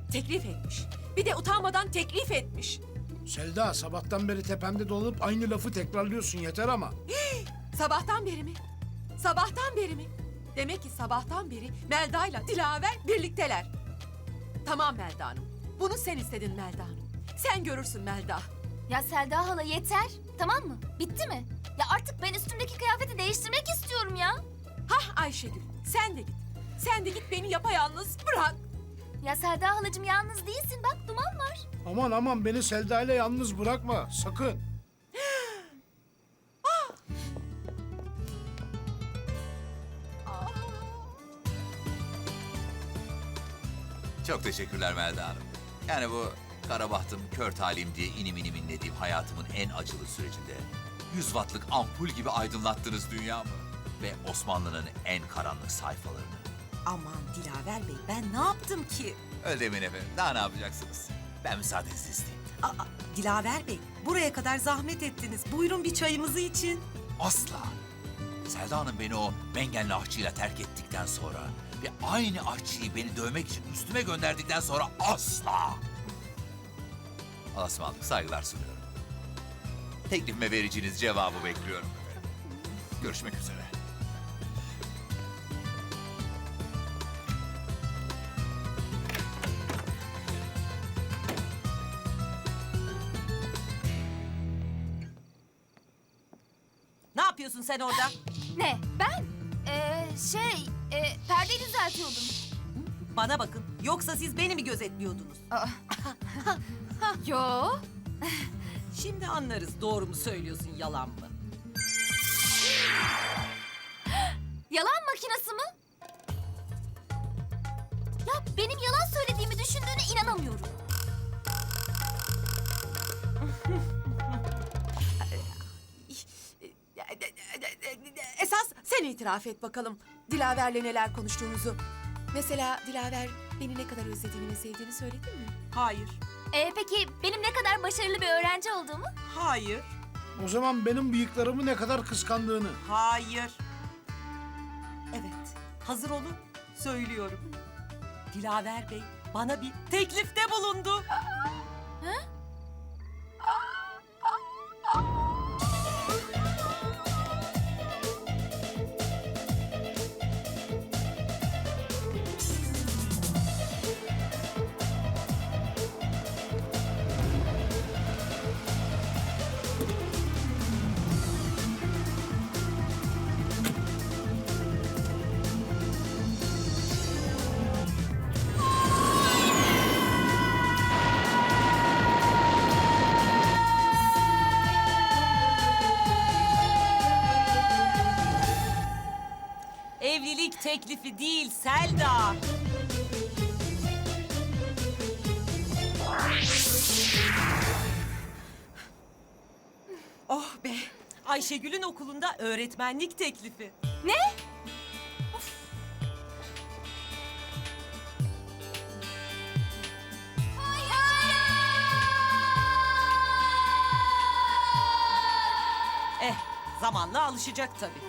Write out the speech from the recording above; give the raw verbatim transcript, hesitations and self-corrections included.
Teklif etmiş. Bir de utanmadan teklif etmiş. Selda, sabahtan beri tepemde dolanıp aynı lafı tekrarlıyorsun, yeter ama. Sabahtan beri mi? Sabahtan beri mi? Demek ki sabahtan beri Melda'yla Dilaver birlikteler. Tamam Melda Hanım. Bunu sen istedin Melda Hanım. Sen görürsün Melda. Ya Selda hala yeter. Tamam mı? Bitti mi? Ya artık ben üstümdeki kıyafeti değiştirmek istiyorum ya. Hah Ayşegül, sen de git. Sen de git, beni yapayalnız bırak. Ya Selda halacığım yalnız değilsin. Bak Duman var. Aman aman, beni Selda ile yalnız bırakma, sakın. Çok teşekkürler Melda Hanım. Yani bu kara bahtım, kör talim diye inim inim inlediğim hayatımın en acılı sürecinde yüz wattlık ampul gibi aydınlattınız dünyamı ve Osmanlı'nın en karanlık sayfalarını. Aman Dilaver Bey, ben ne yaptım ki? Öyle demeyin efendim. Daha ne yapacaksınız? Ben müsaadenizi isteyeyim. Aa, Dilaver Bey, buraya kadar zahmet ettiniz. Buyurun bir çayımızı için. Asla. Selda Hanım beni o mengenli aşçıyla terk ettikten sonra ve aynı aşçıyı beni dövmek için üstüme gönderdikten sonra asla. Allah'a ısmarladık, saygılar sunuyorum. Teklifime vereceğiniz cevabı bekliyorum efendim. Görüşmek üzere. Ne yapıyorsun sen orada? Ne? Ben? Ee, şey, e, perdeyi düzeltiyordum. Bana bakın, yoksa siz beni mi gözetliyordunuz? Yo. Şimdi anlarız, doğru mu söylüyorsun, yalan mı? Yalan makinesi mi? Ya benim yalan söylediğimi düşündüğüne inanamıyorum. Esas sen itiraf et bakalım. Dilaver'le neler konuştuğunuzu. Mesela Dilaver beni ne kadar özlediğini ve sevdiğini söyledi mi? Hayır, Ee, peki benim ne kadar başarılı bir öğrenci olduğumu? hayır, O zaman benim bıyıklarımı ne kadar kıskandığını. hayır. Evet, hazır olun, söylüyorum. Dilaver Bey bana bir teklifte bulundu. Evlilik teklifi değil Selda. Oh be! Ayşegül'ün okulunda öğretmenlik teklifi. Ne? Eh, zamanla alışacak tabii.